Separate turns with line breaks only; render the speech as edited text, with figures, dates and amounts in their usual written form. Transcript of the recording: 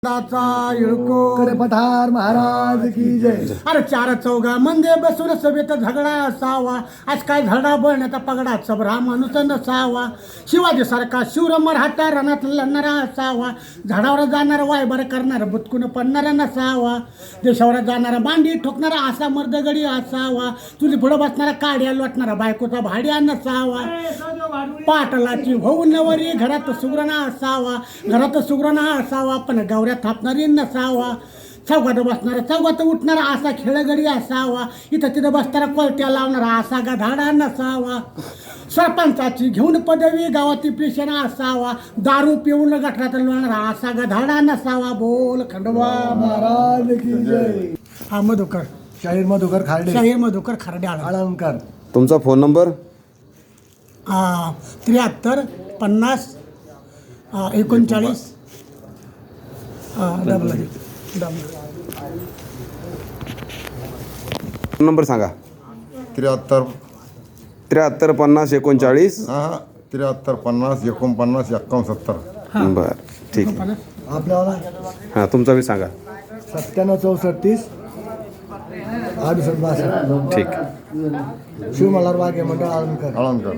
कडे पठार महाराज की जय.
अरे चार चौघा मंदे बसून सभेत झगडा असावा. आज काय झगडा बळण्याचा पगडा सबरा माणूस नसावा. शिवाजी सारखा शूर मराठा रणात लढणारा असावा. झाडावर जाणारा वायबर करणारा बुतकून पडणारा नसावा. देशावर जाणारा बांडी ठोकणारा असा मर्दगडी असावा. तुझी पुढं बसणारा काड्या लोटणारा बायकोचा भाड्या नसावा. पाटलाची होऊ नवरी घरात सुगरणा असावा. घरात सुगरणा असावा पण गौऱ्या थापणारी नसावा. चौघात बसणारा चौघात उठणारा असा खेळगडी असावा. इथं तिथं बसणारा कोलट्या लावणारा असा गधाडा नसावा. सरपंचाची घेऊन पदवी गावाती पेशना असावा. दारू पिऊन गटरात लोणारा असा गधाडा नसावा. बोल खंडोबा
महाराज की जय.
हा मधुकर
शाहीर मधुकर खार्डे
शाहीर मधुकर खर्डे
आळंदकर.
तुमचा फोन नंबर
73 50 39 डबल.
नंबर सांगा.
73
73 50 39.
73 50 49 71
बर ठीक आहे.
आपल्याला
हां तुमचा बी सांगा.
97 34 68 62.
ठीक.
शिवमल्हार वाघे मंडळ आळंदकर.
आळंदकर.